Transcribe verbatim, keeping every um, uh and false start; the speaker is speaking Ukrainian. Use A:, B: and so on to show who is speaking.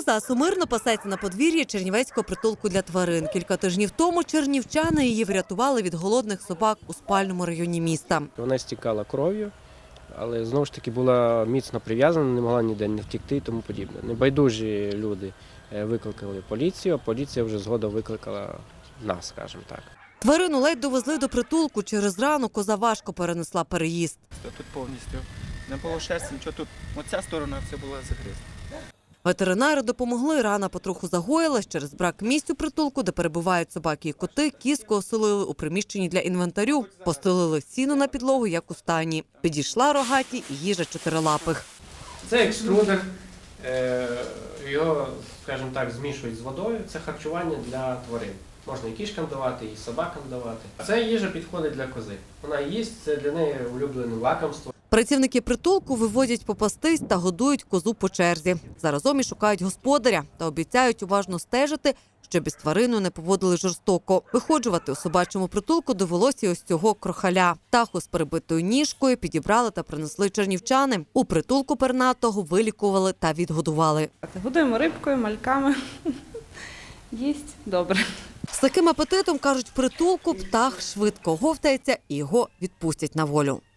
A: Коза сумирно пасеться на подвір'ї чернівецького притулку для тварин. Кілька тижнів тому чернівчани її врятували від голодних собак у спальному районі міста.
B: Вона стікала кров'ю, але знову ж таки була міцно прив'язана, не могла ніде не втекти і тому подібне. Небайдужі люди викликали поліцію, а поліція вже згодом викликала нас, скажімо так.
A: Тварину ледь довезли до притулку. Через рану коза важко перенесла переїзд.
C: Тут повністю не було шерсті, нічого тут. Оця сторона все була загризла.
A: Ветеринари допомогли, рана потроху загоїлась. Через брак місць у притулку, де перебувають собаки і коти, кізку оселили у приміщенні для інвентарю. Постелили сіно на підлогу, як у стайні. Підійшла рогаті і їжа чотирилапих.
B: Це екструдер, його, скажімо так, змішують з водою. Це харчування для тварин. Можна і кішкам давати, і собакам давати. Це їжа підходить для кози. Вона їсть, це для неї улюблене лакомство.
A: Працівники притулку виводять попастись та годують козу по черзі. Заразом і шукають господаря та обіцяють уважно стежити, щоб із твариною не поводили жорстоко. Виходжувати у собачому притулку довелося ось цього крохаля. Птаху з перебитою ніжкою підібрали та принесли чернівчани. У притулку пернатого вилікували та відгодували.
D: Годуємо рибкою, мальками. Їсть добре.
A: З таким апетитом, кажуть, в притулку птах швидко говтається і його відпустять на волю.